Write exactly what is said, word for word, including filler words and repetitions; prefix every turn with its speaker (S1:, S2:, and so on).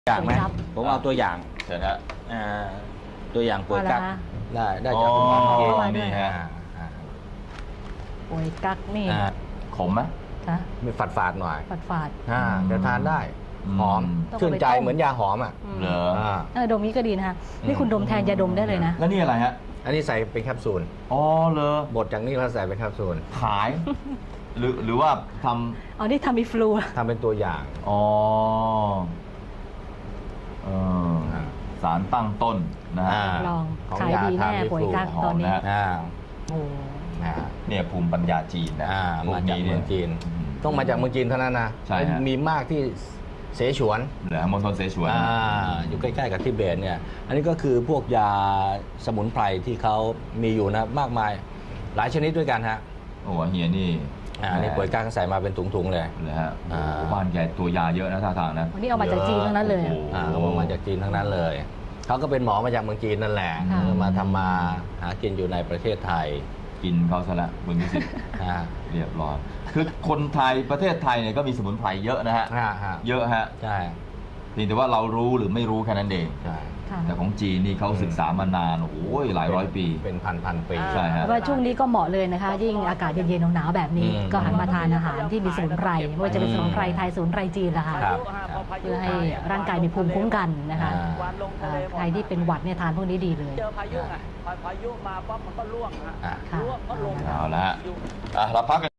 S1: อย่างไหมผมเอาตัวอย่าง
S2: เชิญฮะ
S1: อ่าตัวอย่างป่วยกักได้ได้
S2: อ๋
S1: จากคุณหมอ
S2: อ
S1: เอง
S2: นี่ฮะ
S1: อ่า
S3: ป่วยกักนี่
S1: อ่า
S2: ขมไหม
S3: นะ
S1: มีฝาดฝาดๆหน่อย
S3: ฝาดฝาด
S1: อ่าจะทานได้
S2: อืม
S1: หอม
S3: ต้องเอาไป
S1: ชื่นใจ
S3: ต้ม
S1: เหมือนยาหอมอ่ะ
S3: อืม
S2: เหรอ
S1: อ่า
S3: เออดมนี้ก็ดีนะคะนี่คุณดมแทนยาดมได้เลยนะ
S2: แล้วนี่อะไรฮะ
S1: อันนี้ใส่เป็นแคปซูล
S2: อ๋อเหรอบ
S1: ดจากนี้แล้วใส่เป็นแคปซูล
S2: ขาย หรือหรือว่าท
S3: อ๋อนี่ทำมีฟลู
S1: ทำเป็นตัวอย่าง
S2: ำอ๋อเออ
S1: อ่า
S2: สารตั้งต้นนะฮะ
S1: อ่า
S3: ลอง
S1: ของ
S3: ขาย
S1: ยา
S3: ดีแน่
S1: ทามิฟลู
S3: ป่วยกัก
S2: หอม
S3: ตอนนี้
S2: นะ
S1: อ่า
S3: โอ้
S1: อ่า
S2: เนี่ยภูมิปัญญาจีนนะ
S1: อ่า
S2: พว
S1: มาจาก
S2: ย
S1: เมืองจีน
S2: อืม
S1: ต้องมาจากเมืองจีนเท่านั้นนะ
S2: ใช่ฮะ
S1: มีมากที่เสฉวน
S2: เหลือมณฑลเสฉวน
S1: อ่าอยู่ใกล้ๆกับทิเบตเนี่ย อันนี้ก็คือพวกยาสมุนไพรที่เขามีอยู่นะมากมายหลายชนิดด้วยกันฮะ
S2: โอ้โหเฮียนี่
S1: อ่าอันนี้ป่วยก้างใส่มาเป็นถุงๆเลย
S2: เลยฮะโอ้
S1: อ่า
S2: โหบ้านแกตัวยาเยอะนะท่าทางนะ
S3: วันนี้เอามาจากจีนทั้งนั้นเลย
S2: โอ้
S3: อะ
S2: โห
S1: อ่าเขาบอกมาจากจีนทั้งนั้นเลย เขาก็เป็นหมอมาจากเมืองจีนนั่นแหละ
S3: ค่ะ
S1: มาทำมาหากินอยู่ในประเทศไทย
S2: กินเขาซะละคุณพิสิทธิ์
S1: อ่า
S2: เรียบร้อยคือคนไทยประเทศไทยเนี่ยก็มีสมุนไพรเยอะนะฮะ
S1: อ่าฮะ
S2: เยอะฮะ
S1: ใช่
S2: เพียงแต่ว่าเรารู้หรือไม่รู้แค่นั้นเอง
S1: ใช่
S3: ค่ะ
S2: แต่ของจีนนี่เขาศึกษามานาน โอ้ยหลายร้อยปี
S1: เป็นพันพันๆปี
S2: ใช่ฮะ
S3: ว่าช่วงนี้ก็เหมาะเลยนะคะ ยิ่งอากาศเย็นๆหนาวๆแบบนี้
S1: อืม
S3: ก็หันมาทานอาหารที่มีสมุนไพรไม่ว่าจะเป็นสมุนไพรไทยสมุนไพรจีนละค่ะ
S1: ครับ
S3: เพื่อให้ร่างกายมีภูมิคุ้มกันนะคะ
S1: อ่า
S3: เอ่อใครที่เป็นหวัดเนี่ยทานพวกนี้ดีเลย
S4: เจอพายุไงพอพายุมาปั๊บมันก็ร่วงฮะ
S1: อ่า
S3: ค่ะ
S4: ร่วงก็ลง
S2: เอาละฮะอ่ะเราพักกัน